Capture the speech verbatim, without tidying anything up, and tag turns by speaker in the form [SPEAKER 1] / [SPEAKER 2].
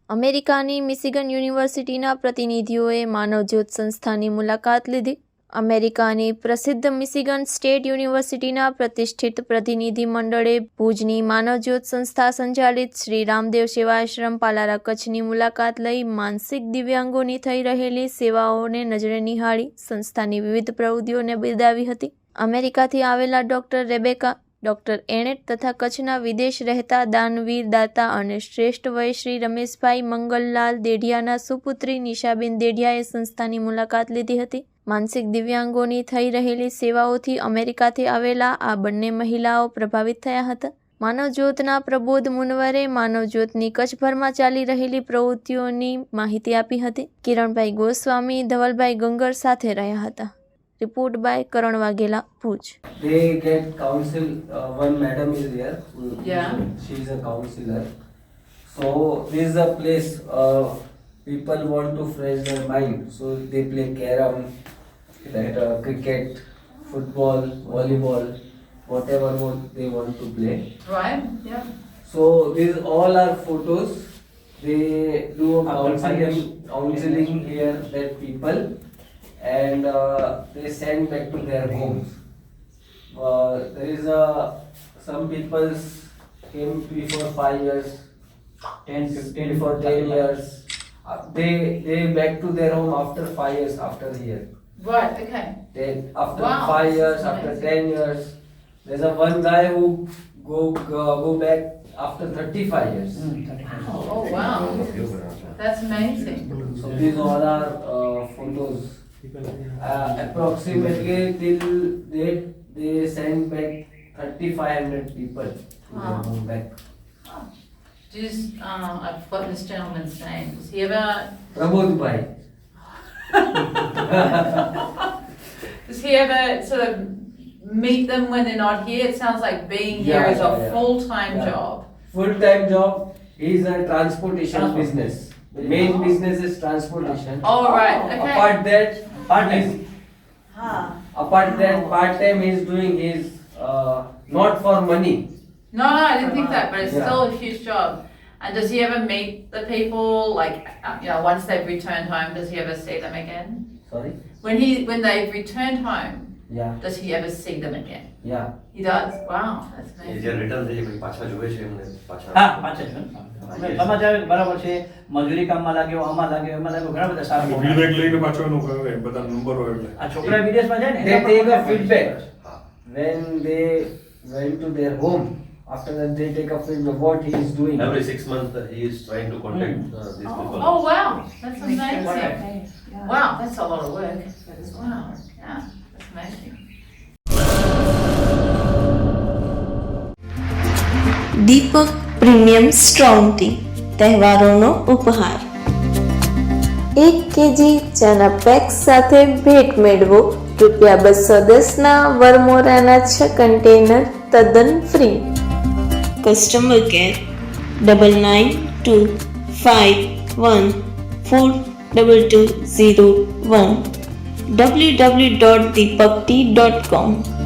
[SPEAKER 1] અમેરિકાની મિશિગન યુનિવર્સિટીના પ્રતિનિધિઓએ માનવજ્યોત સંસ્થાની મુલાકાત લીધી. અમેરિકાની પ્રસિદ્ધ મિશિગન સ્ટેટ યુનિવર્સિટીના પ્રતિષ્ઠિત પ્રતિનિધિ મંડળે ભુજની માનવજ્યોત સંસ્થા સંચાલિત શ્રી રામદેવ સેવાશ્રમ પાલારા કચ્છની મુલાકાત લઈ માનસિક દિવ્યાંગોની થઈ રહેલી સેવાઓને નજરે નિહાળી સંસ્થાની વિવિધ પ્રવૃત્તિઓને બિરદાવી હતી. અમેરિકાથી આવેલા ડોક્ટર રેબેકા, ડોક્ટર એણેટ તથા કચ્છના વિદેશ રહેતા દાનવીર દાતા અને શ્રેષ્ઠ વય શ્રી રમેશભાઈ મંગલલાલ દેઢિયાના સુપુત્રી નિશાબેન દેઢિયાએ સંસ્થાની મુલાકાત લીધી હતી. માનસિક દિવ્યાંગોની થઈ રહેલી સેવાઓથી અમેરિકાથી આવેલા આ બંને મહિલાઓ પ્રભાવિત થયા હતા. માનવજ્યોતના પ્રબોધ મુનવરે માનવજ્યોતની કચ્છભરમાં ચાલી રહેલી પ્રવૃત્તિઓની માહિતી આપી હતી. કિરણભાઈ ગોસ્વામી ધવલભાઈ ગંગર સાથે રહ્યા હતા. Report by Karan Waghela, Bhuj.
[SPEAKER 2] They get counsel. Uh, one madam is there.
[SPEAKER 3] Yeah.
[SPEAKER 2] She is a counselor. So this is a place uh, people want to fresh their mind. So they play carom, that uh, cricket, football, volleyball, whatever what they want to play.
[SPEAKER 3] Right. Yeah.
[SPEAKER 2] So these all are photos. They do a counseling, counseling here that people. And uh, they send back to their homes. Uh, there is a some people came before five years, ten, fifteen, before ten years. Uh, they they back to their home after five years after a year.
[SPEAKER 3] Right. Okay.
[SPEAKER 2] Then after
[SPEAKER 3] Wow,
[SPEAKER 2] five years,
[SPEAKER 3] that's
[SPEAKER 2] after
[SPEAKER 3] amazing.
[SPEAKER 2] ten years, there's a one guy who go uh, go back after thirty-five years.
[SPEAKER 3] Oh wow. That's amazing.
[SPEAKER 2] So these all are uh, photos. Uh, approximately till date they send back thirty-five hundred people to their
[SPEAKER 3] Wow.
[SPEAKER 2] home back.
[SPEAKER 3] Just, uh, I've forgotten this gentleman's name. Does he ever?
[SPEAKER 2] Prabodh Bhai.
[SPEAKER 3] Does he ever sort of meet them when they're not here? It sounds like being here
[SPEAKER 2] Yeah,
[SPEAKER 3] is a
[SPEAKER 2] yeah, yeah.
[SPEAKER 3] full-time
[SPEAKER 2] Yeah.
[SPEAKER 3] job.
[SPEAKER 2] Full time job is a transportation
[SPEAKER 4] Transport.
[SPEAKER 2] business. The main
[SPEAKER 3] Oh.
[SPEAKER 2] business is transportation.
[SPEAKER 3] Oh right. Okay.
[SPEAKER 2] Apart that,
[SPEAKER 4] Part time.
[SPEAKER 3] Huh.
[SPEAKER 2] apart that, part time he is doing his uh, not for money.
[SPEAKER 3] No, no, I didn't think that, but it's
[SPEAKER 2] Yeah.
[SPEAKER 3] still a huge job. And does he ever meet the people, like, uh, you know, once they've returned home, does he ever see them again?
[SPEAKER 2] Sorry.
[SPEAKER 3] When he, when they've returned home,
[SPEAKER 2] Yeah.
[SPEAKER 3] does he ever see them again?
[SPEAKER 2] Yeah.
[SPEAKER 3] He does? Wow, that's
[SPEAKER 5] a
[SPEAKER 3] amazing.
[SPEAKER 5] જે return થઈ પછી પાછા જોવે છે એમને પાછા
[SPEAKER 4] હા પાછા છે ને સમાચાર બરાબર છે મજૂરી કામમાં લાગ્યો આમાં લાગ્યો એમાં લાગ્યો ઘણા બધા સારા
[SPEAKER 6] મોબાઈલ બેગ લઈને પાછો એનું કરે બધા નંબર હોય એટલે
[SPEAKER 4] આ છોકરા વિદેશમાં જાય ને
[SPEAKER 2] They
[SPEAKER 4] એના
[SPEAKER 2] take
[SPEAKER 4] પણ
[SPEAKER 2] a feedback.
[SPEAKER 5] હા
[SPEAKER 2] When they went to their home, after that they take a feedback what he is doing.
[SPEAKER 5] every six months uh, he is trying to contact uh, these people.
[SPEAKER 3] Oh, wow, that's amazing. Wow, that's a lot of work. Wow, yeah, that's amazing.
[SPEAKER 7] Deepak premium strong tea તહેવારોનો ઉપહાર. એક KG ચાના pack સાથે ભેટ મેળવો રૂપિયા બસો દસના વરમોરાના છ કન્ટેનર તદ્દન free. Customer care double nine two five one four double two zero one W W dot Deepak tea dot કોમ.